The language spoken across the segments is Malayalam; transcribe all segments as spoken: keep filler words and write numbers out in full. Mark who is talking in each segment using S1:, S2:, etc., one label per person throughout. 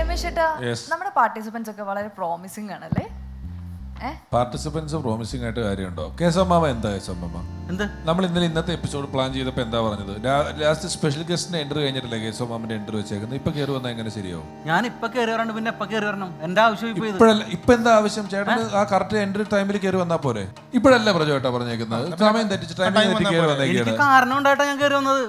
S1: രമേശ് ചേട്ടാ, നമ്മുടെ പാർട്ടിസിപ്പൻസ് ഒക്കെ വളരെ പ്രോമിസിംഗ് ആണല്ലേ?
S2: പാർട്ടിസിപ്പൻസ് പ്രോമിസിംഗ് ആയിട്ട് കാര്യമുണ്ടോ? കേസമ്മാമ എന്താ കേസമ്മാമ?
S3: എന്ത്
S2: നമ്മൾ ഇന്നലെ ഇന്നത്തെ എപ്പിസോഡ് പ്ലാൻ ചെയ്തപ്പോൾ എന്താ പറഞ്ഞത്? ലാസ്റ്റ് സ്പെഷ്യൽ ഗസ്റ്റിന്റെ എൻട്രി കഴിഞ്ഞിട്ടില്ലേ കേസമ്മാമിന്റെ എൻട്രി വെച്ചേക്കുന്നത്? ഇപ്പൊ കയറി വന്നാൽ എങ്ങനെ ശരിയാവും?
S3: ഞാൻ ഇപ്പൊ കയറി വരണം, പിന്നെ എപ്പ കയറി വരണം? എന്റെ ആവശ്യം ഇപ്പൊ
S2: ഇപ്പോഴല്ല. ഇപ്പൊ എന്താ ആവശ്യം? ചേട്ടന് ആ കറക്റ്റ് എൻട്രി ടൈമിൽ കയറി വന്നാ പോരെ? ഇപ്പോഴല്ല പ്രജോ ചേട്ടാ പറഞ്ഞേക്കുന്നത്. സമയം തെറ്റിച്ച് ടൈമിൽ തെറ്റി കയറി വന്നേക്കാണ്.
S3: കാരണം ഉണ്ടായിട്ടാ ഞാൻ കയറി വന്നത്.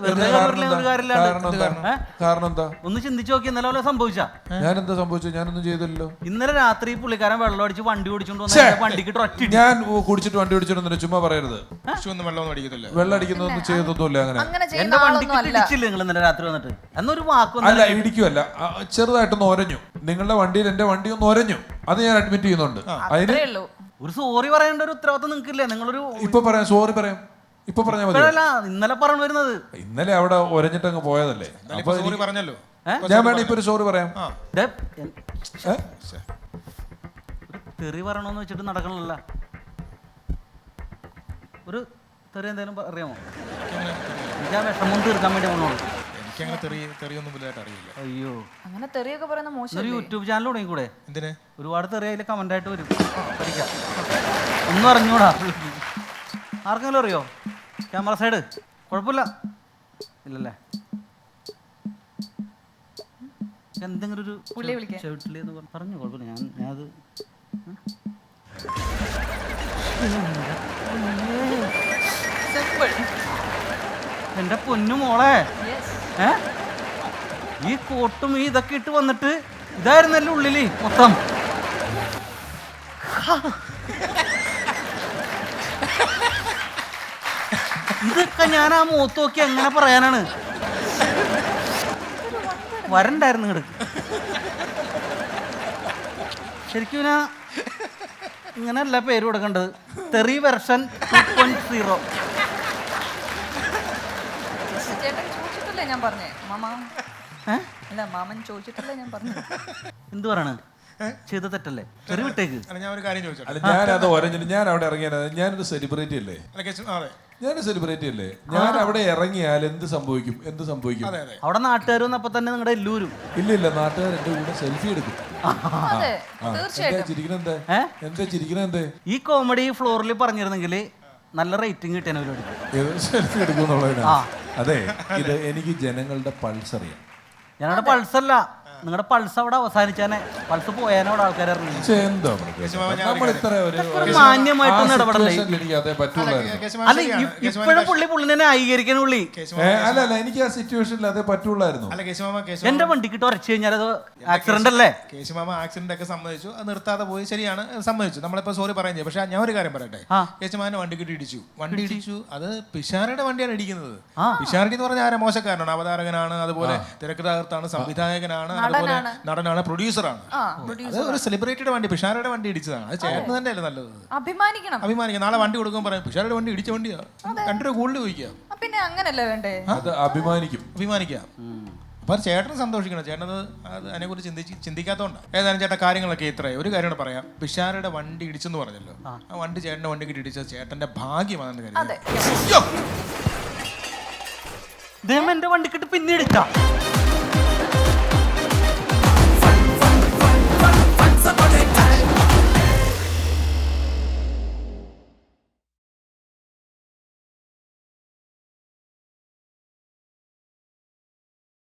S2: കാരണം എന്താ?
S3: ഒന്ന് ചിന്തിച്ചു നോക്കി. ഇന്നലെ പോലെ സംഭവിച്ചാ?
S2: ഞാൻ എന്താ സംഭവിച്ചു? ഞാനൊന്നും ചെയ്തില്ലല്ലോ.
S3: ഇന്നലെ രാത്രി പുള്ളിക്കാരൻ വെള്ളം അടിച്ച് വണ്ടി ഓടിച്ചോണ്ട് വന്ന വണ്ടിക്ക്
S2: ഞാൻ കുടിച്ചിട്ട് വണ്ടി ഓടിച്ചിട്ടൊന്നും ചുമ്മാ പറയരുത്.
S4: വെള്ളം
S2: വെള്ളം അടിക്കുന്നൊന്നും ചെയ്തൊന്നുമില്ല. അങ്ങനെ
S3: എന്റെ വണ്ടിക്ക് ഇടിച്ചില്ല നിങ്ങൾ ഇന്നലെ രാത്രി വന്നിട്ട്? എന്നൊരു വാക്കൊന്നും
S2: അല്ല, ഇടിക്കുമല്ല, ചെറുതായിട്ടൊന്ന് ഒരഞ്ഞു. നിങ്ങളുടെ വണ്ടിയിൽ എന്റെ വണ്ടി ഒന്ന് ഒരഞ്ഞു. അത് ഞാൻ അഡ്മിറ്റ് ചെയ്യുന്നുണ്ട്. അതിന്
S3: ഒരു സോറി പറയേണ്ട ഒരു ഉത്തരവാദിത്വം നിങ്ങൾക്കില്ലേ? നിങ്ങളൊരു
S2: ഇപ്പൊ പറയാം, സോറി പറയാം. ഇപ്പൊ പറഞ്ഞാൽ മതി.
S3: ഇന്നലെ പറഞ്ഞു വരുന്നത്.
S2: ഇന്നലെ അവിടെ ഒരഞ്ഞിട്ട് അങ്ങ് പോയതല്ലേ? അപ്പൊ
S4: പറഞ്ഞല്ലോ.
S2: ഞാൻ വേണം ഇപ്പൊ ഒരു സോറി പറയാം.
S3: തെറി പറയണമെന്ന് വെച്ചിട്ട് നടക്കണല്ല. ഒരു തെറി എന്തായാലും അറിയാമോ? എനിക്ക് ആ വിഷമം തീർക്കാൻ വേണ്ടി വന്നോളൂ. അയ്യോ,
S1: അങ്ങനെ തെറിയൊക്കെ പറയുന്ന മോശം.
S3: ഒരു യൂട്യൂബ് ചാനൽ തുടങ്ങി കൂടെ?
S4: എന്തിന്?
S3: ഒരുപാട് തെറി അതിൽ കമന്റ് ആയിട്ട് വരും. പഠിക്കാം. ഒന്നും അറിഞ്ഞൂടാ. ആർക്കെങ്കിലും അറിയോ? ക്യാമറ സൈഡ് കുഴപ്പമില്ല ഇല്ലല്ലേ? എന്തെങ്കിലും ഒരു പറഞ്ഞു കുഴപ്പമില്ല. ഞാൻ ഞാനത് എന്റെ പൊന്നു മോളെ, ഏ ഈ കോട്ടും ഈ ഇതൊക്കെ ഇട്ട് വന്നിട്ട് ഇതായിരുന്നല്ലേ ഉള്ളില് മൊത്തം? ഇതൊക്കെ ഞാൻ ആ മുഖത്ത് നോക്കി എങ്ങനെ പറയാനാണ്? വരണ്ടായിരുന്നു ഇങ്ങോട്ട്. ശരിക്കും ഞാൻ ഇങ്ങനെയല്ല പേര് കൊടുക്കേണ്ടത്. തെറി വെർഷൻ ടു പോയിന്റ് സീറോ.
S1: ഞാൻ പറഞ്ഞേ മാമ, അല്ല മാമൻ ചോദിച്ചിട്ടല്ലേ ഞാൻ പറഞ്ഞു.
S3: എന്ത് പറയണ? ചെയ്ത തെറ്റല്ലേ? തെറി വിട്ടേക്ക്.
S4: ഞാൻ ഒരു കാര്യം ചോദിച്ചു.
S2: അല്ല, ഞാൻ അത് ഒരഞ്ഞിട്ട് ഞാൻ അവിടെ ഇറങ്ങിയാൽ ഞാനൊരു സെലിബ്രിറ്റി അല്ലേ? ഞാനൊരു സെലിബ്രിറ്റി അല്ലേ? ഞാൻ അവിടെ ഇറങ്ങിയാൽ എന്ത് സംഭവിക്കും? എന്ത് സംഭവിക്കും?
S3: അവിടെ നാട്ടുകാർ വന്നപ്പോ തന്നെ നിങ്ങളുടെ എല്ലൂരും.
S2: ഇല്ല ഇല്ല, നാട്ടുകാർ എന്റെ കൂടെ സെൽഫി എടുക്കും. ചിരിക്കണെന്ത്? എന്താ ചിരിക്കണെന്ത്?
S3: ഈ കോമഡി ഫ്ലോറിൽ പറഞ്ഞിരുന്നെങ്കിൽ നല്ല റേറ്റിംഗ് കിട്ടിയ
S2: സെൽഫി എടുക്കുന്നുള്ളതിനാ. അതെ, ഇത് എനിക്ക് ജനങ്ങളുടെ പൾസ് അറിയാം.
S3: ഞങ്ങളുടെ പൾസല്ല, നിങ്ങളുടെ പൾസ് അവിടെ അവസാനിച്ചാനെ. പൾസ് പോയാനോ അവിടെ ആൾക്കാർ മാന്യമായിട്ടൊന്നും ഇടപെടല്ലേ? അല്ല, ഇപ്പോഴും പുള്ളി പുള്ളിനെ ന്യായീകരിക്കാൻ പുള്ളി.
S2: അല്ല അല്ല, എനിക്ക് ആ സിറ്റുവേഷനിൽ അതേ പറ്റുള്ളായിരുന്നു.
S3: എന്റെ വണ്ടിക്കിട്ട് ഉറച്ചു കഴിഞ്ഞാൽ അത് ആക്സിഡന്റ് അല്ലേ?
S4: കേശുമാമ ആക്സിഡന്റ് ഒക്കെ സമ്മതിച്ചു, അത് നിർത്താതെ പോയി, ശരിയാണ്, സമ്മതിച്ചു. നമ്മളിപ്പോ സോറി പറയാൻ ചെയ്യും. പക്ഷെ ഞാൻ ഒരു കാര്യം പറയട്ടെ, കേശുമാനെ വണ്ടിക്കിട്ട് ഇടിച്ചു. വണ്ടി ഇടിച്ചു, അത് പിഷാരയുടെ വണ്ടിയാണ് ഇടിക്കുന്നത്. പിഷാരടി എന്ന് പറഞ്ഞാൽ ആരെ മോശക്കാരനാണ്, അവതാരകനാണ്, അതുപോലെ തിരക്കഥാകൃത്താണ്, സംവിധായകനാണ്, അതുപോലെ നടനാണ്, പ്രൊഡ്യൂസറാണ്. അത് ഒരു സെലിബ്രിറ്റിയുടെ വണ്ടി, പിഷാരയുടെ വണ്ടി ഇടിച്ചതാണ്. അത് ചേട്ടന് തന്നെയല്ലേ നല്ലത്?
S1: അഭിമാനിക്കണം.
S4: അഭിമാനിക്കാം. നാളെ വണ്ടി കൊടുക്കാൻ പറയാം, പിഷാരയുടെ വണ്ടി ഇടിച്ച വണ്ടിയാ, രണ്ടു രൂപ കൂടുതൽ ചോദിക്കാം.
S1: പിന്നെ അങ്ങനല്ലേ വേണ്ടേ?
S2: അഭിമാനിക്കും,
S4: അഭിമാനിക്കാം. അപ്പൊ ചേട്ടന് സന്തോഷിക്കണം. ചേട്ടനത് അത് അതിനെക്കുറിച്ച് ചിന്തിച്ച് ചിന്തിക്കാത്തതുകൊണ്ടാണ്. ഏതായാലും ചേട്ടാ, കാര്യങ്ങളൊക്കെ ഇത്രയും. ഒരു കാര്യം പറയാം. പിഷാരയുടെ വണ്ടി ഇടിച്ചെന്ന് പറഞ്ഞല്ലോ, ആ വണ്ടി ചേട്ടന്റെ വണ്ടി കിട്ടി ഇടിച്ചത് ചേട്ടന്റെ ഭാഗ്യമാണെന്ന് കരുതി.
S3: എന്റെ വണ്ടിക്കിട്ട് പിന്നെ ഇടിച്ചാ